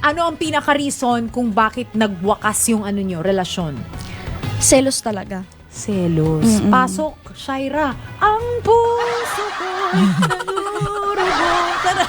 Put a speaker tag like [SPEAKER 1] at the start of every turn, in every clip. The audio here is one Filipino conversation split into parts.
[SPEAKER 1] Ano ang pinaka-reason kung bakit nagwakas yung ano nyo, relasyon?
[SPEAKER 2] Selos talaga.
[SPEAKER 1] Selos. Pasok, Shaira. Ang puso ko'y nanurubong.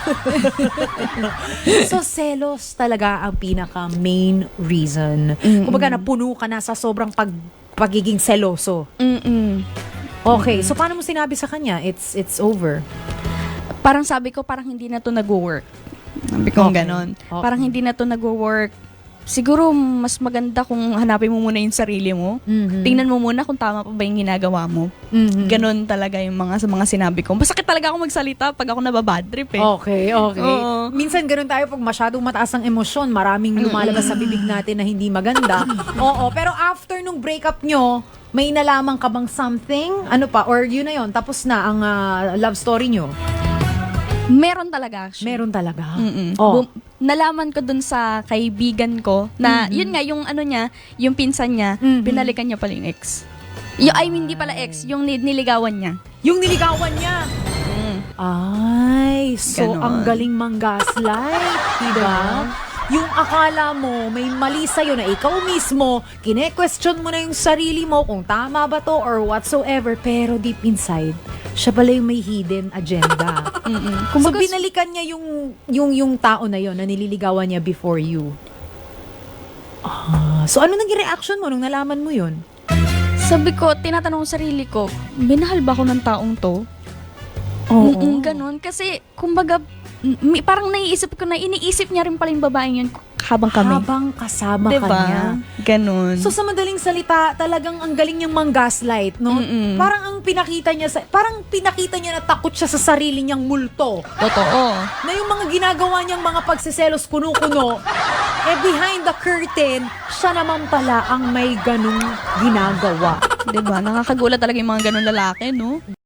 [SPEAKER 1] So, selos talaga ang pinaka-main reason. Kumbaga, napuno ka na sa sobrang pagiging seloso. Okay, so paano mo sinabi sa kanya? It's over.
[SPEAKER 2] Parang sabi ko, parang hindi na to nag-work. Sabi ko
[SPEAKER 1] Okay.
[SPEAKER 2] ganon.
[SPEAKER 1] Okay.
[SPEAKER 2] Parang hindi na to nag-work. Siguro, mas maganda kung hanapin mo muna yung sarili mo. Tingnan mo muna kung tama pa ba yung ginagawa mo. Ganon talaga yung sa mga sinabi ko. Masakit talaga ako magsalita pag ako nababadtrip eh.
[SPEAKER 1] Okay.
[SPEAKER 2] Oo.
[SPEAKER 1] Minsan ganun tayo pag masyadong mataas ang emosyon, maraming lumalabas sa bibig natin na hindi maganda. Oo, pero after nung breakup nyo, may nalaman ka bang something? Ano pa? Or yun na yun, tapos na ang love story nyo?
[SPEAKER 2] Meron talaga actually.
[SPEAKER 1] Meron talaga?
[SPEAKER 2] Oh. Nalaman ko dun sa kaibigan ko na yun nga yung ano niya, yung pinsan niya, binalikan niya pala yung ex. Hindi pala ex, yung niligawan niya.
[SPEAKER 1] Yung niligawan niya? Ay, so
[SPEAKER 2] Ganon.
[SPEAKER 1] ang galing mang-gaslight, diba? Yung akala mo, may mali sa'yo na ikaw mismo, kine-question mo na yung sarili mo kung tama ba to or whatsoever, pero deep inside, siya pala yung may hidden agenda. So, binalikan niya yung tao na yon na nililigawan niya before you. So, ano naging reaction mo nung nalaman mo yun?
[SPEAKER 2] Sabi ko, tinatanong ko sarili ko, minahal ba ako ng taong to? Ganon. Kasi, kumbaga, parang naiisip ko na iniisip niya rin pala yung babaeng yun habang kami.
[SPEAKER 1] Habang kasama ka
[SPEAKER 2] Diba?
[SPEAKER 1] niya.
[SPEAKER 2] Ganon.
[SPEAKER 1] So sa madaling salita, talagang ang galing niyang mang-gaslight, no? Parang pinakita niya na takot siya sa sarili niyang multo.
[SPEAKER 2] Totoo.
[SPEAKER 1] Na yung mga ginagawa niyang mga pagsiselos kuno-kuno, behind the curtain, siya naman pala ang may ganung ginagawa.
[SPEAKER 2] Diba? Nakakagulat talaga yung mga ganon lalaki, no?